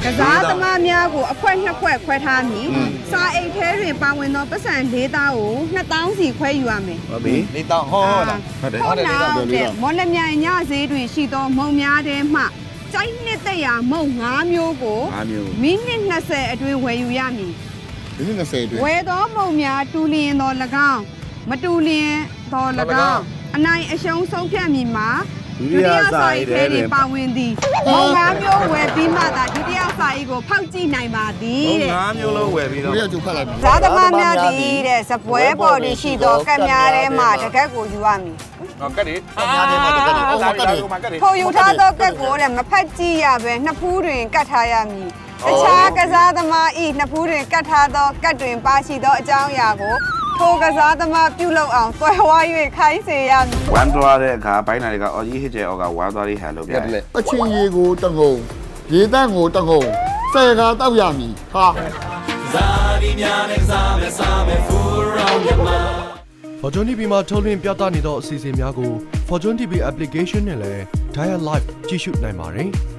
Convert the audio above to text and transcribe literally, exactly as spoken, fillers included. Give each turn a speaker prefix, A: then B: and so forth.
A: စားသမားများကိုအခွက်နှစ်ခွက်ခွဲထားမည်စာအိတ်ထဲတွင်ပါဝင်သောပတ်စံလေးသားကိုနှစ်သောင်းစီခွဲယူရမယ်
B: ဟုတ်ပြီ
C: လေးတောင်းဟောလား
B: ဟုတ်တယ်
A: ဟုတ်တယ်မော်လမြိုင်ညဈေးတွင်ရှိသောမုံများထဲမှကျိုင်းနှစ်သက်ရာမုံ၅မျိုးကို
B: ငါးမျိုး
A: မိနစ်နှစ်ဆယ်အတွင်းဝယ်ယူရမည်
D: ဒီနေ့နှစ်ဆယ်အတွင်း
A: ဝယ်သောမုံများတူလျင်သော၎င်းမတူလျင်သော၎င်းအနိုင်အရှုံးဆုံးဖြတ်မည်မှာဒုတိယစာရေးထဲတွင်ပါဝင်သည်မုံ၅မျိုးဝယ်ပြီးမှသာဒုတိယစာရေးကိုဖောက်ကြည့်နိုင်ပါသည်တဲ့
B: ငါးမျိုးလုံးဝယ်ပြီးတော့
D: ဘယ်ရောက်ကျဖတ်လိုက်ပြီ
A: ဇာသမားများသည်တဲ့စပွဲပေါ်တွင်ရှိသောကတ်များထဲမှတကက်ကိုယူရမည်
B: ဟောကတ်ဒီ
D: အများကြီးမှာတကယ်အော်ကတ်တယ်
B: ကတ်ဒီ
A: ထိုယူထားသောကတ်ကိုတဲ့မဖက်ကြည့်ရပဲနှစ်ဖူးတွင်ကတ်ထားရမည်တခြားကစားသမားဤနှစ်ဖူးတွင်ကတ်ထားသောကတ်တွင်ပါရှိသောအကြောင်းအရာကိုထိုကစားသမားပြုလုပ်အောင်တွယ်ဝါ၍ခိုင်းစေရမည်
B: ဝမ်းသွားတဲ့အခါဘိုင်းနာတွေကအော်ကြီးဟစ်ကျဲအော်ကဝမ်းသွားလေးဟန်လုပ်ပြတယ်
D: အချင်းရေကိုတငုံရေတန့်ကိုတငုံဆယ်ကားတောက်ရမည်ဟာ
E: Fortune တီ ဗီ မှာထုတ်လွှင့်ပြသနေသောအစီအစဉ်များကို Fortune တီ ဗီ application နဲ့လည်း Dial Live ကြည့်ရှုနိုင်ပါတယ်။